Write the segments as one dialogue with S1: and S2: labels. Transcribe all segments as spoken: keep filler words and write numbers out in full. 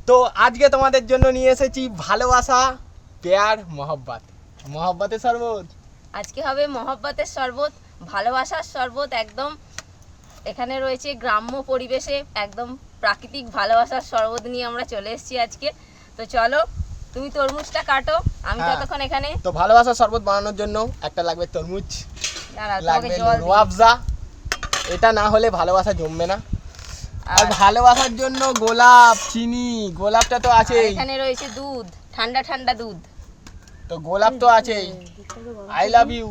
S1: তো আজকে তোমাদের জন্য নিয়ে এসেছি ভালোবাসা প্যার মহব্বত মহব্বতের শরবত।
S2: আজকে হবে মহব্বতের শরবত, ভালোবাসার শরবত। একদম এখানে রয়েছে গ্রাম্য পরিবেশে একদম প্রাকৃতিক ভালোবাসার শরবত নিয়ে আমরা চলে এসেছি আজকে। তো চলো, তুমি তরমুজটা কাটো, আমি
S1: হ্যাঁ।
S2: ততক্ষণ এখানে।
S1: তো ভালোবাসার শরবত বানানোর জন্য একটা লাগবে তরমুজ,
S2: দাঁড়াও, তোমাকে
S1: লাগবে
S2: জল দিই।
S1: রুয়াবজা, এটা না হলে ভালোবাসা জমবে না। আর
S2: আর
S1: ভালোবাসার জন্য গোলাপ, চিনি, গোলাপটা তো
S2: আর
S1: আছেই।
S2: এখানে রয়েছে দুধ, ঠান্ডা ঠান্ডা দুধ।
S1: তো গোলাপ তো আছেই। আই লাভ ইউ,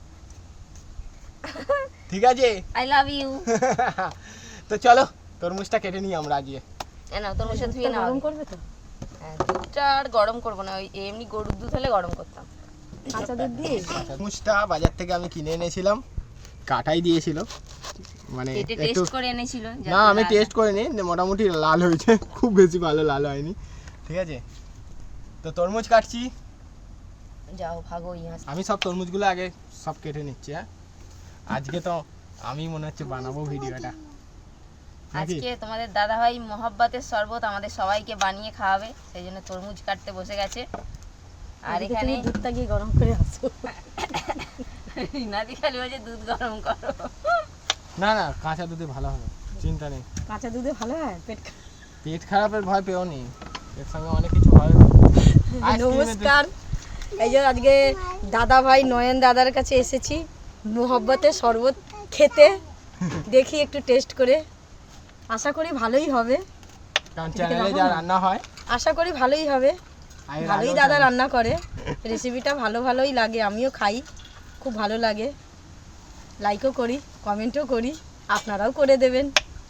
S1: ঠিক আছে।
S2: I love you.
S1: তো চলো তরমুজটা কেটে নিই আমরা আজকে।
S2: না, তরমুজটা ধুয়ে নাও।
S3: গরম করবে তো?
S2: হ্যাঁ, দুধটা আর গরম করবো না, ওই এমনি গরুর দুধ হলে গরম করতাম।
S3: কাঁচা দুধ দিয়ে
S1: তরমুজটা বাজার থেকে আমি কিনে এনেছিলাম, কাটাই দিয়েছিল, মানে
S2: কেটে
S1: একটু।
S2: টেস্ট করে এনেছিল।
S1: না আমি টেস্ট করিনি, মোটামুটি লাল হয়েছে, খুব বেশি ভালো লাল হয়নি, ঠিক আছে। তো তরমুজ কাটছি,
S2: যাও ভাগো ইহাস।
S1: আমি সব তরমুজগুলো আগে সব কেটে নিচ্ছি। হ্যাঁ, আজকে তো আমি মনে হচ্ছে বানাবো ভিডিওটা।
S2: আজকে তোমাদের দাদা ভাই মহব্বতের শরবত আমাদের সবাইকে বানিয়ে খাওয়াবে, সেই জন্য তরমুজ কাটতে বসে গেছে। আর এখানে
S3: দুধটা গিয়ে গরম করে আসো।
S2: নাদি খালি বলছে দুধ গরম করো।
S1: না না, কাঁচা দুধে ভালো হবে, চিন্তা নেই।
S3: কাঁচা দুধে ভালো হয় পেট।
S1: পেট খারাপের ভয় পেও নি, এর সঙ্গে অনেক কিছু হয়।
S3: নমস্কার, এই যে আজকে দাদা ভাই নয়ন দাদার কাছে এসেছি মহব্বতের শরবত খেতে। দেখি একটু টেস্ট করে, আশা করি ভালোই হবে।
S1: কারণ চ্যানেলে যা রান্না হয়,
S3: আশা করি ভালোই হবে।
S1: আর এর
S3: ভালোই
S1: আগেও
S3: দাদা
S1: channel-
S3: রান্না করে, রেসিপিটা ভালো ভালোই লাগে, আমিও খাই, খুব ভালো লাগে, লাইকও করি, কমেন্টও করি, আপনারাও করে দেবেন।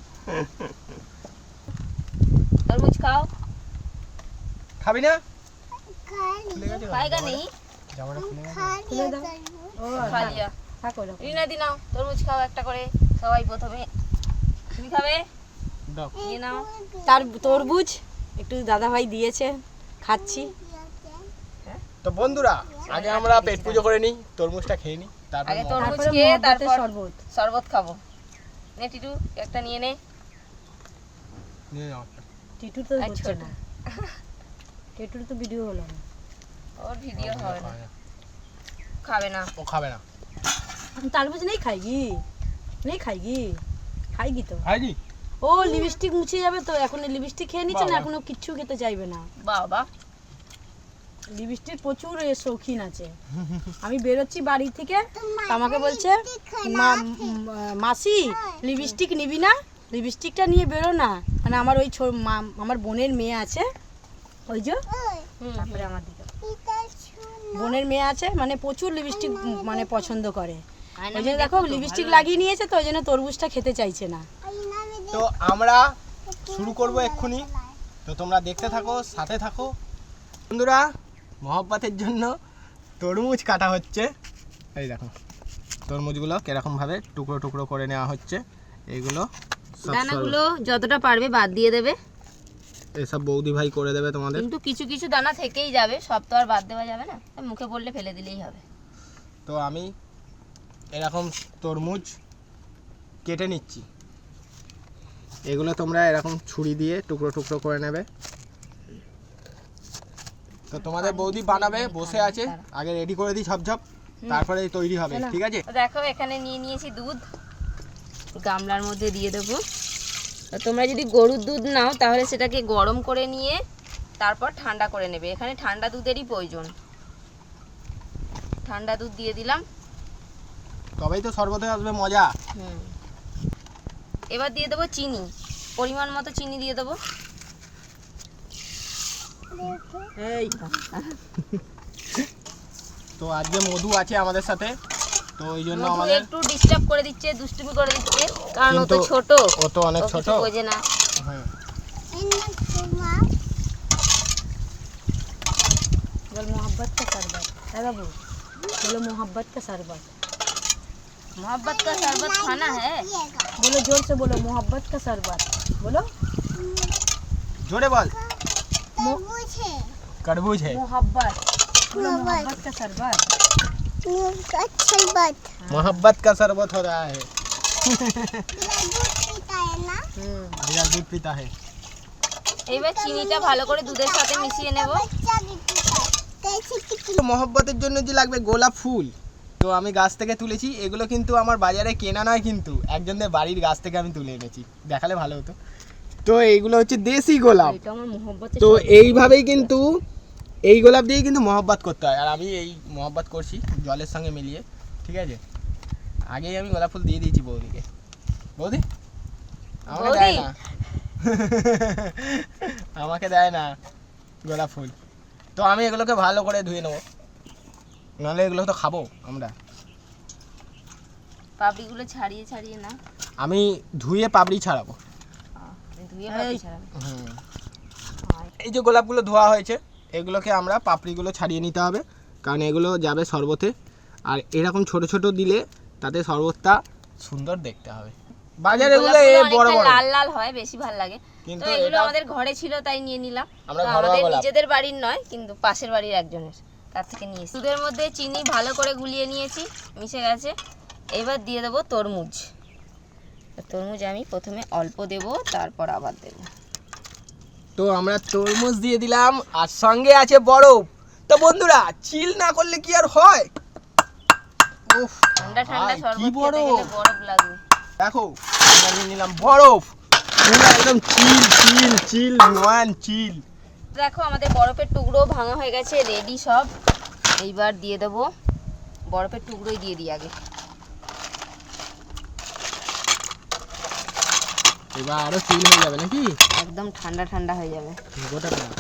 S2: তরমুজ খাও।
S1: খাবি না? খুলে গেছে
S2: খায়গা নেই
S1: জামাটা খুলে গেছে।
S3: খুলে দাও। ও
S2: খা লিয়া।
S3: থাকো এরকম।
S2: রিনা দি নাও, তরমুজ খাও একটা করে সবাই। প্রথমে তুমি খাবে,
S1: দাও।
S2: নিয়ে নাও।
S3: তার তরমুজ একটু দাদা ভাই দিয়েছে, খাচ্ছি।
S1: তো বন্ধুরা, আগে আমরা পেট পুজো করে নিই, তরমুজটা খেয়ে নিই, তারপর
S2: আগে
S1: মহব্বত।
S2: তরমুজ
S3: তারপরে
S2: খেয়ে
S3: মহব্বতের
S2: তারপর
S3: শরবত।
S2: শরবত খাবো। নে টিটু একটা নিয়ে নে।
S1: নিয়ে নাও একটা।
S3: টিটু তো
S2: আর
S3: হচ্ছে
S2: ছোট।
S3: না, টিটুর তো ভিডিও হলো না।
S2: ওর ভিডিও
S1: ও
S2: হবে না,
S1: খাবে না।
S2: খাবে না।
S1: ও খাবে না।
S3: तरबूज नहीं खाएगी, नहीं खाएगी, খাইগি তো।
S1: খাইনি?
S3: ও লিপস্টিক মুছে যাবে তো, এখন লিপস্টিক খেয়ে নিচ্ছে না,
S1: বাবা।
S3: এখনো কিচ্ছু খেতে চাইবে না।
S2: বাবা,
S3: লিপস্টিক প্রচুর এ শৌখিন আছে। আমি বেরোচ্ছি বাড়ি থেকে, আমাকে বলছে মা- উম, মাসি লিপস্টিক নিবি না, লিপস্টিকটা নিয়ে বেরো না। মানে আমার ওই ছো- মা- আমার বোনের মেয়ে আছে, ওই যে
S2: হুম,
S3: তারপরে আমার দিকে বোনের মেয়ে আছে, মানে প্রচুর লিপস্টিক মানে পছন্দ করে। ওই জন্য দেখো লিপস্টিক লাগিয়ে নিয়েছে, তো ওই জন্য তরমুজটা খেতে চাইছে না।
S1: তো আমরা শুরু করব এক্ষুনি, তো তোমরা দেখতে থাকো, সাথে থাকো। বন্ধুরা, মহব্বতের জন্য তরমুজ কাটা হচ্ছে। এই দেখো তরমুজগুলো কিরকম ভাবে টুকরো টুকরো করে নেওয়া হচ্ছে। এইগুলো সব
S2: দানাগুলো যতটা পারবে বাদ দিয়ে দেবে,
S1: এসব বৌদি ভাই করে দেবে তোমাদের।
S2: কিন্তু কিছু কিছু দানা থেকেই যাবে, সব তো আর বাদ দেওয়া যাবে না, মুখে পড়লে ফেলে দিলেই হবে।
S1: তো আমি এরকম তরমুজ কেটে নিচ্ছি, এগুলো তোমরা এরকম ছুরি দিয়ে টুকরো টুকরো করে নেবে। তো তোমাদের বৌদি বানাবে, বসে আছে, আগে রেডি করে দিই ঝপঝপ, তারপরে তৈরি হবে, ঠিক আছে।
S2: তো দেখো এখানে নিয়ে নিয়েছি দুধ, গামলার মধ্যে দিয়ে দেবো। তো তোমরা যদি গরুর দুধ নাও তাহলে সেটাকে গরম করে নিয়ে তারপর ঠান্ডা করে নেবে। এখানে ঠান্ডা দুধেরই প্রয়োজন। ঠান্ডা দুধ দিয়ে দিলাম।
S1: তবেই তো শরবতে আসবে মজা।
S2: হুম, এবার দিয়ে দেবো চিনি, পরিমাণ মতো চিনি দিয়ে দেবো।
S3: এই
S1: তো আজকে মধু আছে আমাদের সাথে, তো ওই জন্য
S2: মধু
S1: আমাদের
S2: একটু ডিস্টার্ব করে দিচ্ছে, দুষ্টুমি করে দিচ্ছে, কারণ ও তো
S1: কিন্তু
S2: ছোট,
S1: ও তো অনেক
S2: ও
S1: ছোট।
S2: কিছু বোঝে না।
S1: হ্যাঁ,
S3: बोल मोहब्बत का शरबत है बाबू, बोलो मोहब्बत का शरबत,
S2: मोहब्बत का शरबत खाना है।
S3: बोलो जोर से बोलो मोहब्बत का शरबत, बोलो
S1: জোরে বল।
S3: मो-
S1: तरबूज है,
S3: मोहब्बत, बोलो मोहब्बत का शरबत।
S1: मोहब्बत का शरबत हो रहा है।
S3: हम्म,
S1: भैया दूध पीता है।
S2: এইবার চিনিটা ভালো করে দুধের সাথে মিশিয়ে নেব।
S1: মহব্বতের জন্য যে লাগবে গোলাপ ফুল, তো আমি গাছ থেকে তুলেছি। এগুলো কিন্তু আমার বাজারে কেনা নয়, কিন্তু একজনদের বাড়ির গাছ থেকে আমি তুলে এনেছি, দেখালে ভালো হতো। তো এইগুলো হচ্ছে দেশি গোলাপ।
S2: এটা আমার মহব্বতের
S1: তো
S2: শরবত।
S1: এইভাবেই কিন্তু এই গোলাপ দিয়েই কিন্তু মহব্বত করতে হয়। আর আমি এই মহব্বত করছি জলের সঙ্গে মিলিয়ে, ঠিক আছে। আগেই আমি গোলাপ ফুল দিয়ে দিয়েছি বৌদিকে। বৌদি আমাকে
S2: বৌদি?
S1: দেয় না আমাকে দেয় না গোলাপ ফুল। তো আমি এগুলোকে ভালো করে ধুয়ে নেবো, নাহলে এগুলো তো খাবো আমরা।
S2: পাপড়িগুলো ছাড়িয়ে ছাড়িয়ে না,
S1: আমি ধুয়ে পাপড়ি ছাড়াবো।
S2: ধুয়ে পাপড়ি ছাড়াবে।
S1: হুম।
S2: আর
S1: এই যে গোলাপগুলো ধোয়া হয়েছে, এগুলোকে আমরা পাপড়িগুলো ছাড়িয়ে নিতে হবে, কারণ এগুলো যাবে শরবতে। আর এরকম ছোট ছোট দিলে তাতে শরবতটা সুন্দর দেখতে হবে। বাজারে এগুলো এ
S2: গোলাপগুলো
S1: বড়
S2: অনেকটা
S1: বড়,
S2: লাল লাল হয়, বেশি ভালো লাগে।
S1: কিন্তু
S2: তো এগুলো
S1: এটা
S2: আমাদের ঘরে ছিল তাই নিয়ে নিলাম।
S1: আমরা
S2: তো
S1: ঘরোয়া
S2: আমাদের
S1: গোলাপ।
S2: নিজেদের বাড়ির নয়, কিন্তু পাশের বাড়ির একজনের তার থেকে নিয়েছি। দুধের মধ্যে চিনি ভালো করে গুলিয়ে নিয়েছি, মিশে গেছে। এবার দিয়ে দেবো তরমুজ। তরমুজ আমি প্রথমে অল্প দেব, তারপর আবার দেব।
S1: তো আমরা তরমুজ দিয়ে দিলাম, আর সঙ্গে আছে বরফ। তো বন্ধুরা, চিল না করলে কি আর হয়? উফ,
S2: ঠান্ডা ঠান্ডা
S1: ভাই,
S2: শরবত
S1: কি
S2: খেতে
S1: বরফ!
S2: গেলে বরফ লাগবে।
S1: দেখো আমরা নিয়ে নিলাম বরফ, পুরো একদম চিল চিল চিল নয়ান চিল।
S2: দেখো আমাদের বরফের টুকরো ভাঙা হয়ে গেছে, রেডি সব। এইবার দিয়ে দেবো বরফের টুকরোই দিয়ে দিই আগে।
S1: এবার আরো চিল হয়ে যাবে নাকি?
S2: একদম ঠান্ডা ঠান্ডা হয়ে যাবে।
S1: গোটা ঠান্ডা।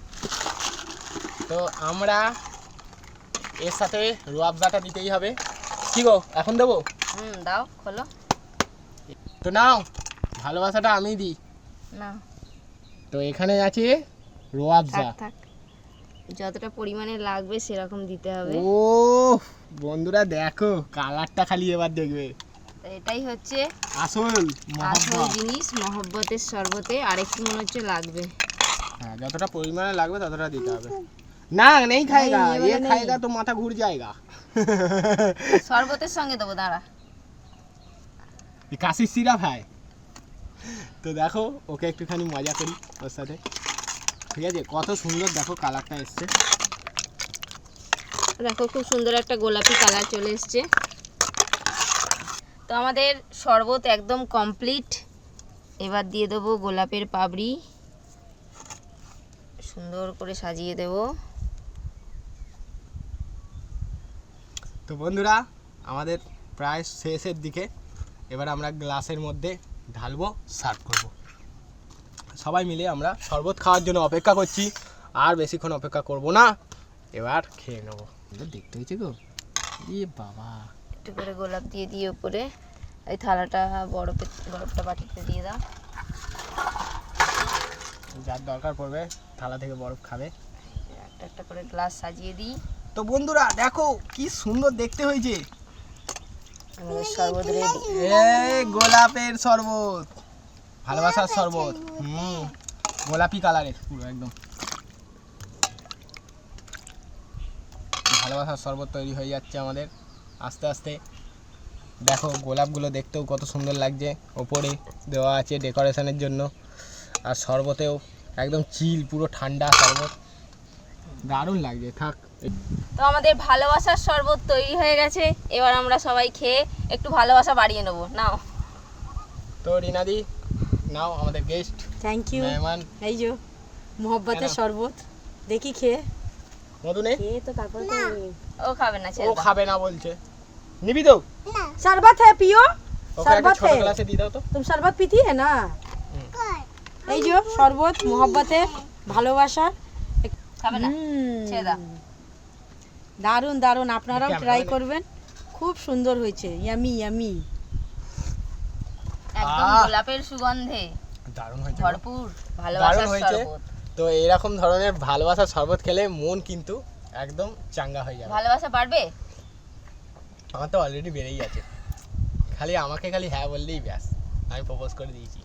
S1: তো আমরা এর সাথে রুয়াবজাটা দিতেই হবে। কি গো, এখন দেবো?
S2: হুম, দাও, খোলো।
S1: তো নাও, ভালোবাসাটা আমি দিই।
S2: না,
S1: তো এখানে আছে রুয়াবজা।
S2: থাক থাক, যতটা পরিমাণে লাগবে সেরকম দিতে হবে।
S1: ও বন্ধুরা দেখো, কালারটা খালি এবার দেখবে।
S2: তো এটাই হচ্ছে
S1: আসল
S2: আসল
S1: মহব্বত।
S2: জিনিস মহব্বতের শরবতে। আরেকটু মনে হচ্ছে লাগবে।
S1: হ্যাঁ, যতটা পরিমাণে লাগবে ততটা দিতে হবে। না নেই খায়গা,
S3: नहीं, ये
S1: ये
S3: वाला नहीं।
S1: खाएगा तो माथा घूर जाएगा।
S2: শরবতের সঙ্গে দেবো, দাঁড়া।
S1: ये काशी सिरप है। তো দেখো, ওকে একটুখানি মজা করি ওর সাথে, ঠিক আছে। কত সুন্দর দেখো কালারটা এসছে।
S2: দেখো খুব সুন্দর একটা গোলাপি কালার চলে এসছে। তো আমাদের শরবত একদম কমপ্লিট। এবার দিয়ে দেবো গোলাপের পাপড়ি, সুন্দর করে সাজিয়ে দেব।
S1: তো বন্ধুরা, আমাদের প্রায় শেষের দিকে। এবার আমরা গ্লাসের মধ্যে ঢালবো, সার্ভ করব। সবাই মিলে আমরা শরবত খাওয়ার জন্য অপেক্ষা করছি, আর বেশিক্ষণ অপেক্ষা করব না, এবার খেয়ে নেবো। দেখতে হয়েছে গো, এ বাবা।
S2: একটু করে গোলাপ দিয়ে দিয়ে উপরে এই থালাটা বরফে বরফটা বাটিতে দিয়ে দাও।
S1: যার দরকার পড়বে থালা থেকে বরফ খাবে।
S2: একটা একটা করে গ্লাস সাজিয়ে দিই।
S1: তো বন্ধুরা দেখো কি সুন্দর দেখতে হয়েছে।
S2: আমাদের শরবত রেডি।
S1: এই গোলাপের শরবত, ভালোবাসার শরবত। হুম, গোলাপি কালারের পুরো একদম ভালোবাসার শরবত তৈরি হয়ে যাচ্ছে আমাদের আস্তে আস্তে। দেখো গোলাপগুলো দেখতেও কত সুন্দর লাগছে, ওপরে দেওয়া আছে ডেকোরেশনের জন্য। আর শরবতেও একদম চিল, পুরো ঠান্ডা শরবত, দারুণ লাগছে। থাক,
S2: তো আমাদের ভালোবাসার শরবত তৈরি হয়ে গেছে। এবার আমরা সবাই খেয়ে একটু ভালোবাসা বাড়িয়ে নেবো। নাও।
S1: তো রিনাদি নাও, আমাদের গেস্ট
S3: থ্যাংক ইউ।
S1: মেহমান।
S3: এই যে মোহব্বতের
S1: কেন?
S3: শরবত, দেখি খেয়ে
S1: মধু নেই,
S3: খেয়ে তো তারপরে তো
S2: ও খাবে না,
S1: ও
S2: ছেড়ে দাও।
S1: খাবে না বলছে। নিবি তো?
S3: शरबत है पियो,
S1: ওকে একটা
S3: शरबत
S1: ছোট
S3: है।
S1: গ্লাসে দিয়ে দাও তো।
S3: तुम शरबत पीती है ना? এই যে শরবত মোহব্বতে ভালোবাসা।
S2: খাবে না,
S3: হুম,
S2: ছেড়ে দাও।
S3: দারুণ দারুণ, আপনারাও
S1: ক্যামেরা
S3: ট্রাই
S1: মানে-
S3: করবেন, খুব সুন্দর হয়েছে, ইয়ামি ইয়ামি।
S2: একদম
S1: আহ!
S2: গোলাপের সুগন্ধে
S1: দারুণ হয়েছে গো।
S2: ভরপুর ভালোবাসার
S1: দারুণ হয়েছে।
S2: শরবত।
S1: তো এরকম ধরনের ভালোবাসার শরবত খেলে মন কিন্তু একদম চাঙ্গা হয়ে যাবে।
S2: ভালোবাসা বাড়বে।
S1: আমার তো অলরেডি বেড়েই আছে, খালি আমাকে খালি হ্যাঁ বললেই ব্যাস, আমি প্রপোজ করে দিয়েছি।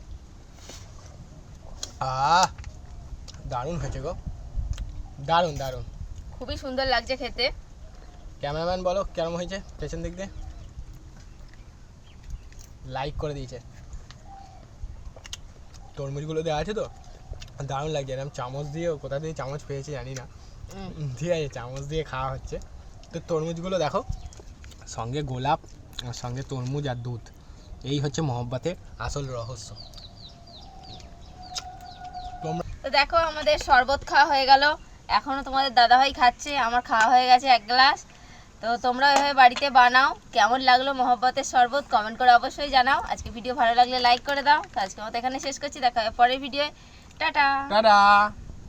S1: আহ দারুণ হয়েছে গো, দারুণ দারুণ।
S2: খুবই সুন্দর লাগছে খেতে।
S1: ক্যামেরাম্যান বলো কেমন হয়েছে, পেছন দিক দিয়ে লাইক করে দিয়েছে। তরমুজগুলো দেওয়া আছে তো, দারুণ লাগছে, এরকম চামচ দিয়ে, কোথা দিয়ে চামচ পেয়েছি জানি না,
S2: হুম।
S1: ঠিক আছে, চামচ দিয়ে খাওয়া হচ্ছে। তো তরমুজগুলো দেখো, সঙ্গে গোলাপ আর সঙ্গে তরমুজ আর দুধ, এই হচ্ছে মহব্বতের আসল রহস্য। তোমরা
S2: তো দেখো আমাদের শরবত খাওয়া হয়ে গেল, এখনো তোমাদের দাদাভাই খাচ্ছে, আমার খাওয়া হয়ে গেছে এক গ্লাস। তো তোমরা এভাবে বাড়িতে বানাও, কেমন লাগলো মহব্বতের শরবত কমেন্ট করে অবশ্যই জানাও। আজকে ভিডিও ভালো লাগলে লাইক করে দাও। তো আজকে মতো এখানে শেষ করছি, দেখা হবে পরের ভিডিওয়ে। টাটা।
S1: টাটা।